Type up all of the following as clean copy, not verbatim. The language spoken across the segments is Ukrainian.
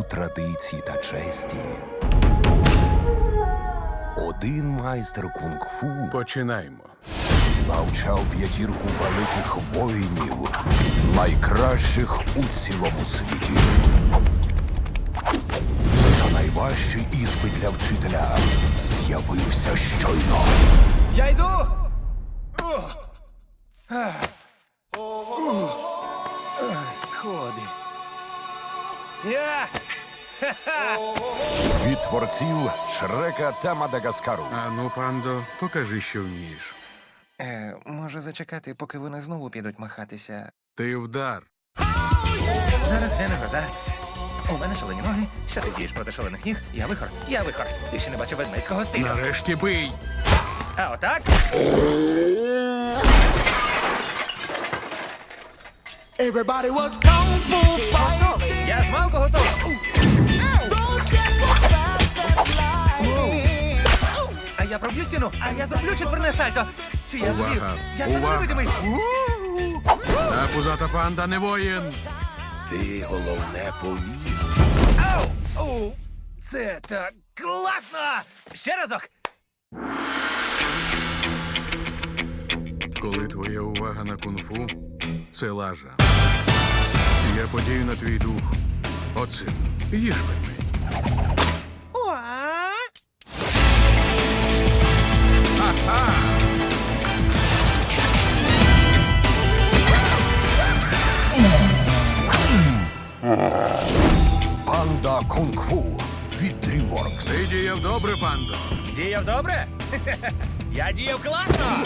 традиції та честі. Один майстер кунг-фу Починаємо. навчав п'ятірку великих воїнів, найкращих у цілому світі. Та найважчий іспит для вчителя з'явився щойно. Я йду! Сходи. Я! Від творців Шрека та Мадагаскару. Ану, пандо, покажи, що вмієш. Може зачекати, поки вони знову підуть махатися. Ти вдар. Зараз гляне гроза. У мене шалені ноги. Що ти дієш проти шалених ніг? Я вихор. Я вихор. Ти ще не бачив ведмедського стилю. Нарешті бий. А отак? Everybody was kung fu fighting. Я з малку готовий. Those kids were fast as lightning. А я проб'ю стіну, а я зроблю четверне сальто. Чи я зумів? Увага! Я стану Увага! невидимий. Та пузата панда не воїн. Ти головне повір. Ау! Оу! Це так класно! Ще разок! Коли твоя увага на кунг-фу, це лажа. Я подію на твій дух. Оцим. Їж пельмень. Ха-ха! Панда кунг-фу від DreamWorks. Ти діяв добре, пандо. Діяв добре? Я діяв класно!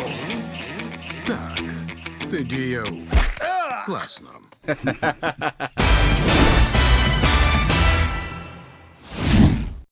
Так, ти діяв класно.